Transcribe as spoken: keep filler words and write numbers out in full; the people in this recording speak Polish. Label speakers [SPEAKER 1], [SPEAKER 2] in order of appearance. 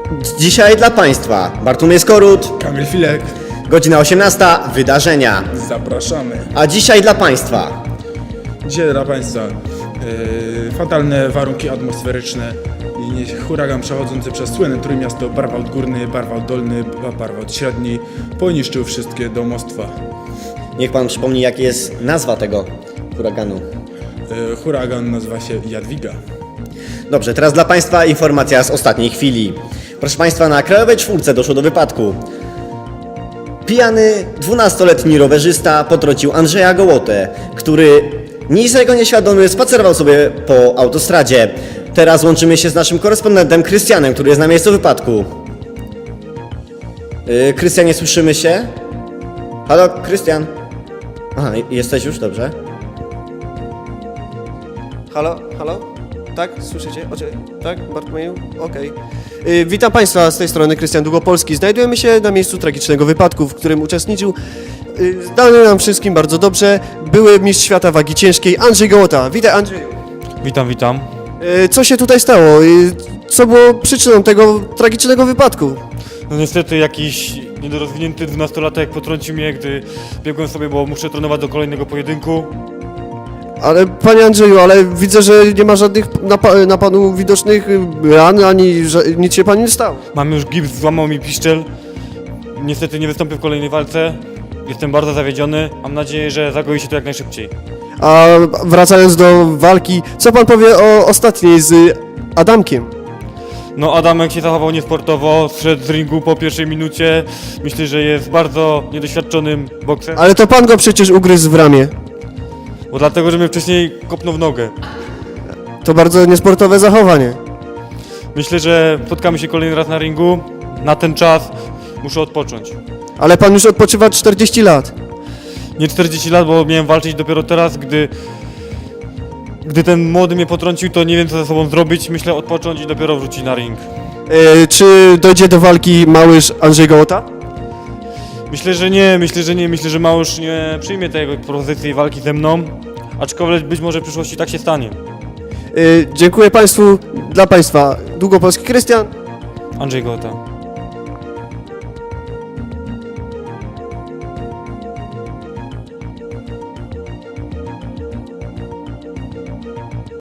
[SPEAKER 1] Dzisiaj dla Państwa Bartłomiej Skorut,
[SPEAKER 2] Kamil Filek.
[SPEAKER 1] godzina osiemnasta, wydarzenia.
[SPEAKER 2] Zapraszamy.
[SPEAKER 1] A dzisiaj dla Państwa
[SPEAKER 2] Dzisiaj dla Państwa yy, fatalne warunki atmosferyczne i nie- huragan przechodzący przez słynne Trójmiasto, Barwałt Górny, Barwałt Dolny, Ba- Barwałt Średni poniszczył wszystkie domostwa.
[SPEAKER 1] Niech Pan przypomni, jaka jest nazwa tego huraganu.
[SPEAKER 2] Yy, huragan nazywa się Jadwiga.
[SPEAKER 1] Dobrze, teraz dla Państwa informacja z ostatniej chwili. Proszę Państwa, na Krajowej Czwórce doszło do wypadku. Pijany dwunastoletni rowerzysta potrącił Andrzeja Gołotę, który niczego nieświadomy spacerował sobie po autostradzie. Teraz łączymy się z naszym korespondentem Krystianem, który jest na miejscu wypadku. Yy, Krystianie, słyszymy się? Halo, Krystian? Aha, jesteś już? Dobrze.
[SPEAKER 3] Halo, halo? Tak, słyszycie? Oczy, tak, Bartłomieju? Okej. Y, Witam Państwa, z tej strony Krystian Długopolski. Znajdujemy się na miejscu tragicznego wypadku, w którym uczestniczył y, znany nam wszystkim bardzo dobrze były mistrz świata wagi ciężkiej Andrzej Gołota. Witaj, Andrzeju.
[SPEAKER 4] Witam, witam.
[SPEAKER 3] Y, Co się tutaj stało? Y, Co było przyczyną tego tragicznego wypadku?
[SPEAKER 4] No niestety jakiś niedorozwinięty dwunastolatek potrącił mnie, gdy biegłem sobie, bo muszę trenować do kolejnego pojedynku.
[SPEAKER 3] Ale panie Andrzeju, ale widzę, że nie ma żadnych na, pa, na panu widocznych y, ran, ani ża- nic się panu nie stało.
[SPEAKER 4] Mam już gips, złamał mi piszczel. Niestety nie wystąpię w kolejnej walce. Jestem bardzo zawiedziony. Mam nadzieję, że zagoi się to jak najszybciej.
[SPEAKER 3] A wracając do walki, co pan powie o ostatniej z Adamkiem?
[SPEAKER 4] No Adamek się zachował niesportowo, zszedł z ringu po pierwszej minucie. Myślę, że jest bardzo niedoświadczonym bokserem,
[SPEAKER 3] Ale to pan go przecież ugryzł w ramię.
[SPEAKER 4] bo dlatego, że mnie wcześniej kopnął w nogę.
[SPEAKER 3] To bardzo niesportowe zachowanie.
[SPEAKER 4] Myślę, że spotkamy się kolejny raz na ringu. Na ten czas muszę odpocząć.
[SPEAKER 3] Ale pan już odpoczywa czterdzieści lat.
[SPEAKER 4] Nie czterdzieści lat, bo miałem walczyć dopiero teraz, gdy gdy ten młody mnie potrącił, to nie wiem co ze sobą zrobić. Myślę odpocząć i dopiero wrócić na ring.
[SPEAKER 3] E, czy dojdzie do walki małyż Andrzej Gołota?
[SPEAKER 4] Myślę, że nie, myślę, że nie, myślę, że Małysz nie przyjmie tej propozycji walki ze mną, aczkolwiek być może w przyszłości tak się stanie.
[SPEAKER 3] E, dziękuję państwu, dla państwa Długopolski Krystian.
[SPEAKER 4] Andrzej Gołota.